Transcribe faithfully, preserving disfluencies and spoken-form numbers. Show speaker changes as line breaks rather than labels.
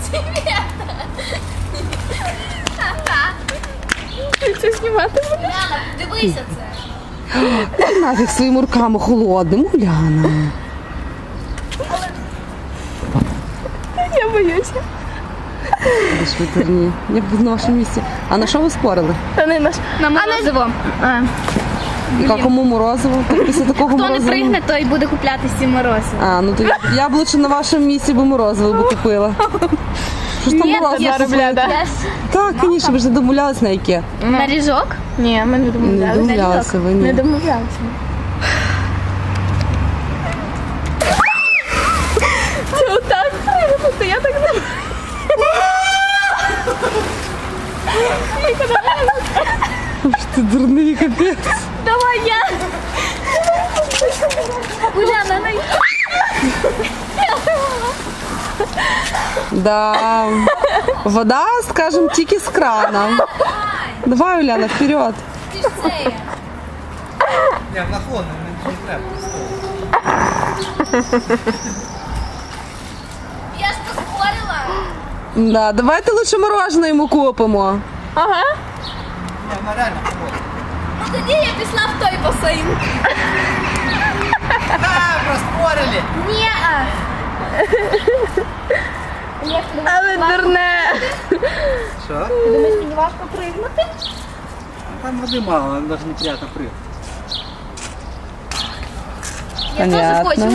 Ти це знімати будеш?
Уляна, дивися це.
Нафіг своїми руками холодним, Уляна.
Я боюся.
Будеш витерні. Я б на вашому місці. А на що ви спорили?
Та не наш.
На морозиво.
А,
Яка кому морозиво? Так після такого
Хто не
морозива?
пригне, той буде купляти сім морозиво.
А, ну то я, я б лучше на вашому місці би морозиво би купила. Що ж там
Ні,
була
я
за
роблю, да.
Так, звісно, ви ж не домовлялись на яке.
На ріжок?
Ні, ми не
Не
домовлялися.
домовлялися ви,
Не
ні.
домовлялися. Це отак пригнути, я так не...
Аж ти дурний капець.
Давай я. Уляна, най...
Да. Вода, скажем, тільки з крана. Давай, Уляна, вперед.
Ти ж це.
Я в наклон, не треба.
Я ж поспорила.
Да, давайте лучше мороженое йому купимо.
Ага.
Я вона реально холодна.
Ну тоді я пішла в той басейн.
Да, проспорили.
Ні-а.
Але дурне.
Що?
Ти думаєш, мені важко пригнути?
Там води мало, навіть неприємно прыгати.
Я теж
Понятно.
хочу.